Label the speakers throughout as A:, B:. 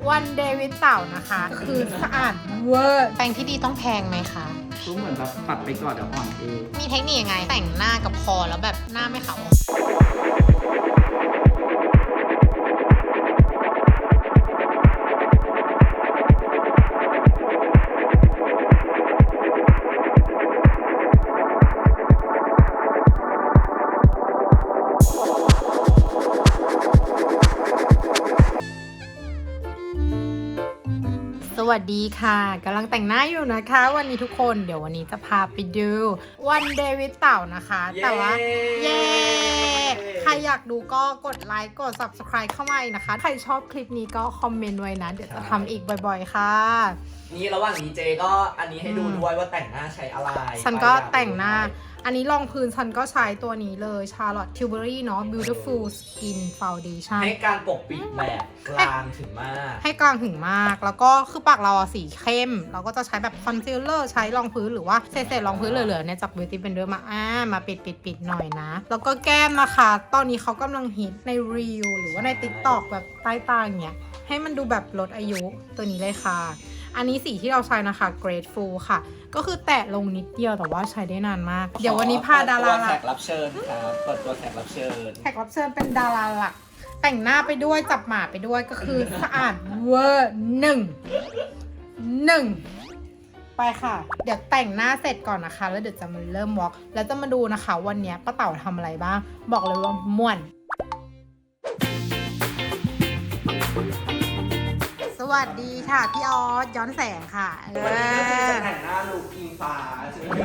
A: วันเดวิดเต่านะคะคือสะอาดเวอร์แปรงที่ดีต้องแพงไหมคะ
B: ก็เหมือนแบบปัดไปก่อนเดี๋ยวอ่อนเอง
A: มีเทคนิคยังไงแต่งหน้ากับคอแล้วแบบหน้าไม่ขาวสวัสดีค่ะกำลังแต่งหน้าอยู่นะคะวันนี้ทุกคนเดี๋ยววันนี้จะพาไปดูวันเดวิดเต่านะคะแต่ว่าเย้ใครอยากดูก็กดไลค์กด subscribe เข้ามาอีกนะคะใครชอบคลิปนี้ก็คอมเมนต์ไว้นะเดี๋ยวจะทำอีกบ่อยๆค่ะ
C: นี่ระหว่างนี้เจก็อันนี้ให้ดูด้วยว่าแต่งหน้าใช้อะไร
A: ฉันก็แต่งหน้าอันนี้รองพื้นฉันก็ใช้ตัวนี้เลย Charlotte Tilbury เนาะ Beautiful Skin Foundation
C: ให้การปกปิดแบบกลางถึงมาก
A: ให้กลางถึงมากแล้วก็คือปากเราสีเข้มเราก็จะใช้แบบคอนซีลเลอร์ใช้รองพื้นหรือว่าเศษรองพื้นเหลือๆเนี่ยจาก Beauty Blender มาปิดหน่อยนะแล้วก็แก้มนะคะตอนนี้เขากำลังฮิตใน Reel หรือว่าใน TikTok แบบใต้ตาอย่างเงี้ยให้มันดูแบบลดอายุตัวนี้เลยค่ะอันนี้สีที่เราใช้นะคะ Grateful ค่ะก็คือแตะลงนิดเดียวแต่ว่าใช้ได้นานมากเดี๋ยววันนี้พาดารา
C: แขกรับเชิญครับเปิดตัวแขกรับเชิญ
A: เป็นดาราหลักแต่งหน้าไปด้วยจับหมาไปด้วยก็คือสะอาดเวอร์หนึ่งไปค่ะเดี๋ยวแต่งหน้าเสร็จก่อนนะคะแล้วเดี๋ยวจะมาเริ่มวอล์กแล้วจะมาดูนะคะวันนี้ป้าเต่าทำอะไรบ้างบอกเลยว่าม่วนสวัสดีค่ะพี่ออสย้อนแสงค่ะ
C: วันนี้ก็คือจะแต่งหน้าลูกอิงฟ้าใช่ไหม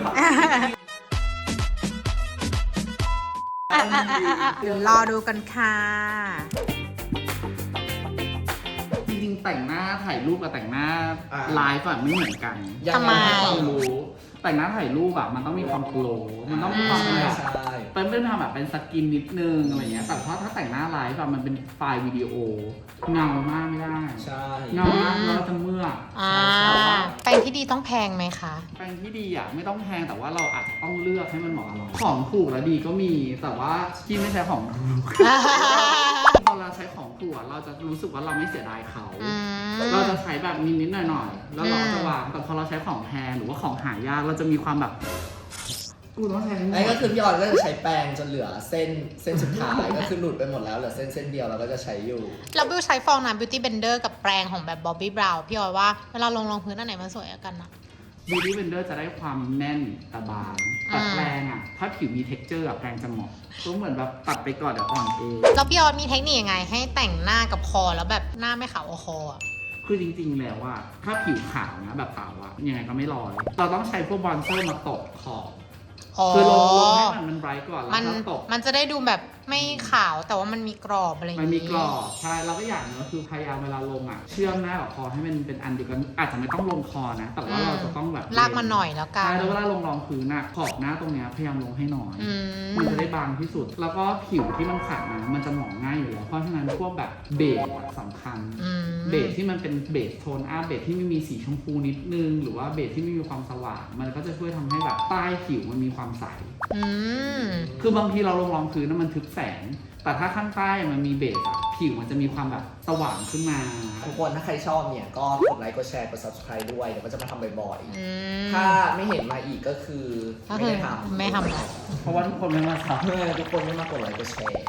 C: ครับ
A: เดี๋ยวรอดูกันค่ะ
B: จริงๆแต่งหน้าถ่ายรูปกับแต่งหน้าไลฟ์อะไม่เหมือนกัน
A: ทำไม
B: ความรู้แต่งหน้าถ่ายรูปอะมันต้องมีความโกลว์มันต้องมีความแบบเป็นทำแบบเป็นสกินนิดนึงอะไรเงี้ยแต่ถ้าแต่งหน้าไลฟ์อะมันเป็นไฟล์วิดีโอเงามากไม่ได้เงามากแล้วจะเมื่อ
A: แปรงที่ดีต้องแพงไหมคะ
B: แปรงที่ดีอะไม่ต้องแพงแต่ว่าเราอาจจะต้องเลือกให้มันเหมาะกับเราของถูกและดีก็มีแต่ว่าที่ไม่ใช่ของถูกพอเราใช้ของถูกเราจะรู้สึกว่าเราไม่เสียดายเขาเราจะใช้แบบนิดๆหน่อยๆแล้วเราจะวางแต่พอเราใช้ของแพงหรือว่าของหายากเราจะมีความแบบกูต้องใช้
C: ไอ้ก็คือพี่ออนก็จะใช้แปรงจนเหลือเส้นสุดท้ายก็คือหลุดไปหมดแล้วเหลือเส้นเดียวเราก็จะใช้อยู่
A: แล้วบิวใช้ฟองน้ำ Beauty Blender กับแปรงของแบบ Bobbi Brown พี่ออยว่าเวลาลงรองพื้นอันไหนมันสวยกันนะ
B: Beauty Blender จะได้ความแน่นแต่บางแต่แปรงอะถ้าผิวมี texture แปรงจะเหมาะก็เหมือนแบบตัดไปก่อนเดี๋ยวอ่อนเอง
A: แล้วพี่ออยมีเทคนิคยังไงให้แต่งหน้ากับคอแล้วแบบหน้าไม่ขาวคอ
B: คือจริงๆแล้วว่าถ้าผิวขาวนะแบบเต่าอะยังไงก็ไม่ลอยเราต้องใช้พวกบอนเซอร์มาตบขอบคือลงให้มันไบรท์ก่อนแล้วก็ตบ
A: มันจะได้ดูแบบไม่ขาวแต่ว่ามันมีกรอบอะไรอย่าง
B: นี้มันมีกรอบใช่เราก็อย่างนึงคือพยายามเวลาลงอะเชื่อมหน้ากับคอให้มันเป็นอันเดียวกันอาจจะไม่ต้องลงคอนะแต่ว่าเราจะต้องแบบ
A: ลากมาหน่อยแล้วกัน
B: ใช่แล้วเวลาลงรองพื้นอะขอบหน้าตรงเนี้ยพยายามลงให้หน่อยมันจะได้บางที่สุดแล้วก็ผิวที่มันขาดนะมันจะหมองง่ายอยู่แล้วเพราะฉะนั้นพวกแบบเบสสำคัญเบสที่มันเป็นเบสโทนอัพเบสที่ไม่มีสีชมพูนิดนึงหรือว่าเบสที่ไม่มีความสว่างมันก็จะช่วยทำให้แบบใต้ผิวมันมีความใสคือบางทีเราลงรองพื้นมันทึบแสงแต่ถ้าข้างใต้มันมีเบสอะผิวมันจะมีความแบบสว่างขึ้นมา
C: ทุกคนถ้าใครชอบเนี่ยก็กดไลค์กดแชร์กด subscribe ด้วยเดี๋ยวก็จะมาทำบ่อยๆถ้าไม่เห็นมาอีกก็คือไม่ได้ท
B: ำเพราะว่าทุกคนไม่มาทำ
C: ทุกคนไม่มากดไลค์กดแชร์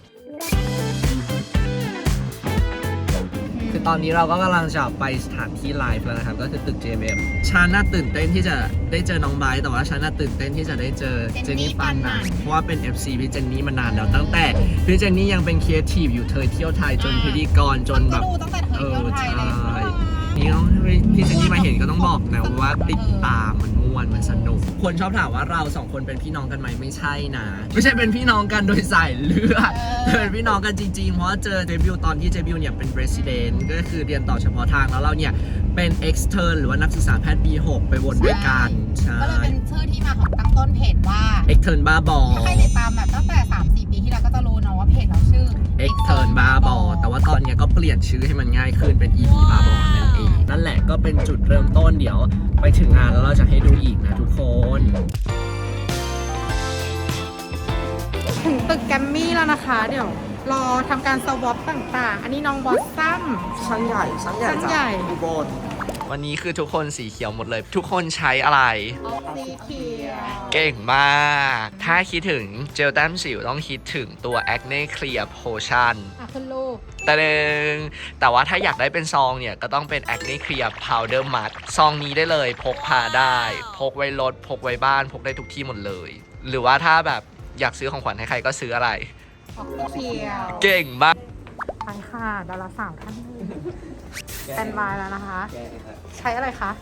C: คือตอนนี้เราก็กำลังจะไปสถานที่ไลฟ์แล้วนะครับก็คือตึก JMM ฉันน่าตื่นเต้นที่จะได้เจอน้องไบร์ทแต่ว่าฉันน่าตื่นเต้นที่จะได้เจอเจนนี่ปานนันเพราะว่าเป็น FC พี่เจนนี่มานานแล้วตั้งแต่พี่เจนนี่ยังเป็นครีเอทีฟอยู่เธอเที่ยวไทยจนพิธีกรจนแบบใช่นี่ต้องพี่เจนนี่มาเห็นก็ต้องบอกนะว่าติดตามมันม่วนมันสนุกคนชอบถามว่าเราสองคนเป็นพี่น้องกันไหมไม่ใช่นะไม่ใช่เป็นพี่น้องกันโดยสายเลือดเป็นพี่น้องกันจริงๆเพราะเจอเจบิวตอนที่เจบิวเนี่ยเป็น Resident ก็คือเรียนต่อเฉพาะทางแล้วเราเนี่ยเป็น Extern หรือว่านักศึกษาแพทย์ปี 6ไปวนด้วยกันใช่
A: ก็เลยเป็นชื่อที่มาของตั้งต้นเพจว่า
B: Extern บ้าบอ
A: ใครติดตามแบบตั้งแต่ 3-4 ปีที่แล้วก็จะรู้นะว่าเพจเราชื่อ
B: Extern บ้าบอแต่ว่าตอนนี้ก็เปลี่ยนชื่อให้มันง่ายขึ้นเป็น EP บ้าบอนั่นเองนั่นแหละก็เป็นจุดเริ่มต้นเดี๋ยวไปถึงงานแล้วเราจะให้ดูอีกนะทุกคน
A: ถึงตึกแกรมมี่แล้วนะคะเดี๋ยวรอทำการสวอปต่างๆ อันนี้น้องบอสซัม
C: ช่างใหญ่ช่างใหญ่
A: ช่างใหญ่
C: อุบลวันนี้คือทุกคนสีเขียวหมดเลย ทุกคนใช้อะไร
A: สีเขียว
C: เก่งมาก ถ้าคิดถึงเจลแต้มสิวต้องคิดถึงตัว Acne Clear Potion
A: ขึ้นรูป
C: แต่ว่าถ้าอยากได้เป็นซองเนี่ยก็ต้องเป็น Acne Clear Powder Matte ซองนี้ได้เลยพกพาได้ พกไว้รถพกไว้บ้านพกได้ทุกที่หมดเลย หรือว่าถ้าแบบอยากซื้อของขวัญให้ใครก็ซื้ออะไร
A: เขียว
C: เก่งมาก
A: ไปค่ะดาราสาวท่านหนึงสแตนบายแล้วนะคะ ใช้อะไรคะ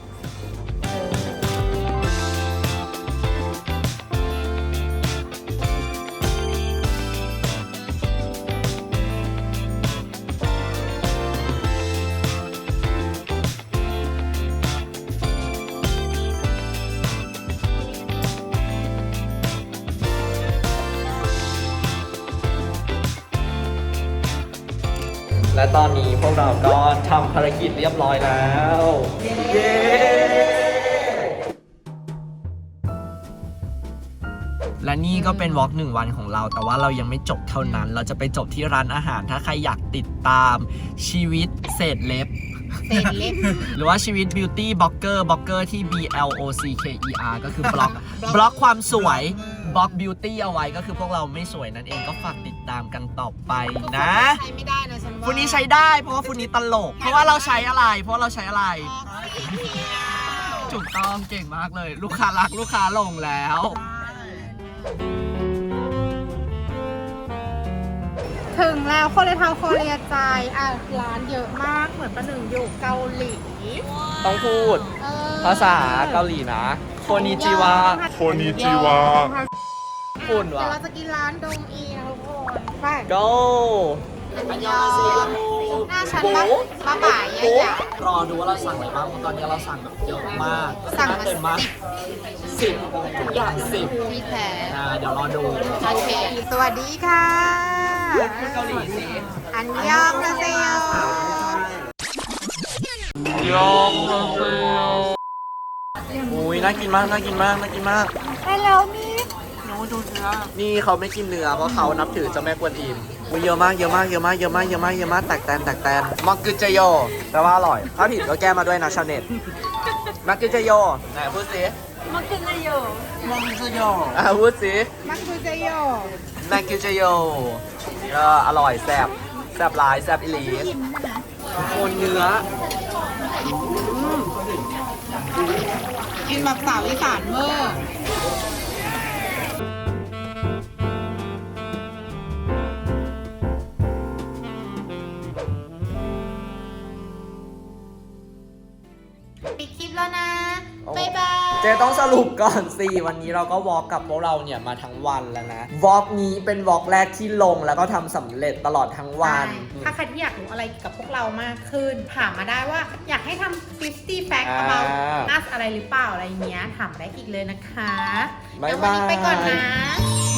C: และตอนนี้พวกเราก็ทำภารกิจเรียบร้อยแล้ว เย้ และนี่ก็เป็นวอล์ก1 วันของเรา แต่ว่าเรายังไม่จบเท่านั้น เราจะไปจบที่ร้านอาหาร ถ้าใครอยากติดตามชีวิตเศษเล็บ
A: เศษเล็บ
C: หรือว่าชีวิตบิวตี้บล็อกเกอร์ที่ BLOCKER ก็คือบล็อกความสวยบล็อกบิวตี้เอาไว้ก็คือพวกเราไม่สวยนั่นเองก็ฝากติดตามกันต่อไปนะ
A: ใช้ไม่ได้นะฉันว่า
C: ฟุนนี้ใช้ได้เพราะว่าฟุนนี้ตลก เพราะว่าเราใช้อะไร ถูกต้องเก่งมากเลย ลูกค้ารักลูกค้าลงแล้ว
A: ถึงแล้วโคเรียทาวน์โคเรียใจร้านเยอะมากเหมือนประหนึ่งอยู่เกาหลี
C: ต้องพูด ภาษาเกาหลีนะโคนิจิวะ
D: โคนิจิวะ
C: ฝุ่น
A: เดี๋ยว
C: วะ
A: เราจะกินร้านดงอีนะทุกคนไป
C: go
A: อันยองหน้าฉันบ้าบ่ายใหญ่
C: รอดูว่าเราสั่งอะไรบ้างเพราะตอนนี้เราสั่งแบบเยอะมาก
A: สั่งมา
C: เต็มมาก10ทุกอย่าง10
A: พี่แท้
C: เดี๋ยวรอดู
A: โอเคสวัสดีค่ะ
C: พูดเกาหลีสิ
A: อันยองนะเซโย
C: ยองอุ้ยน่ากินมาก
A: ไปแล้วนี่
C: นี่เขาไม่กินเนื้อเพราะเขานับถือเจ้าแม่กวนอิมอุ้ยเยอะมากแตกแตนมักกึเจโยแปลว่าอร่อย ถ้าผิดก็แก้มาด้วยนะชาวเน็ตมักกึเจโยไหนพูดสิมักกึเจโยพูดสิ
A: มันคือเจโย
C: มักกึเจโยอร่อยแซ่บหลายแซ่บอีหลีโคนเนื้อ
A: กินแบบสาวอีสานเวอร์ปิดคลิปแล้วนะ บ๊ายบาย
C: เจต้องสรุปก่อนสิวันนี้เราก็วอล์กกับพวกเราเนี่ยมาทั้งวันแล้วนะวอล์กนี้เป็นวอล์กแรกที่ลงแล้วก็ทำสำเร็จตลอดทั้งวัน
A: ถ้าใครที่อยากรู้อะไรเกี่ยวกับพวกเรามากขึ้น ถามมาได้ว่าอยากให้ทำ50 fact about us อะไรหรือเปล่าอะไรเงี้ย ถามได้อีกเลยนะคะ
C: บ๊ายบาย
A: แล้ววันนี้ไปก่อนนะ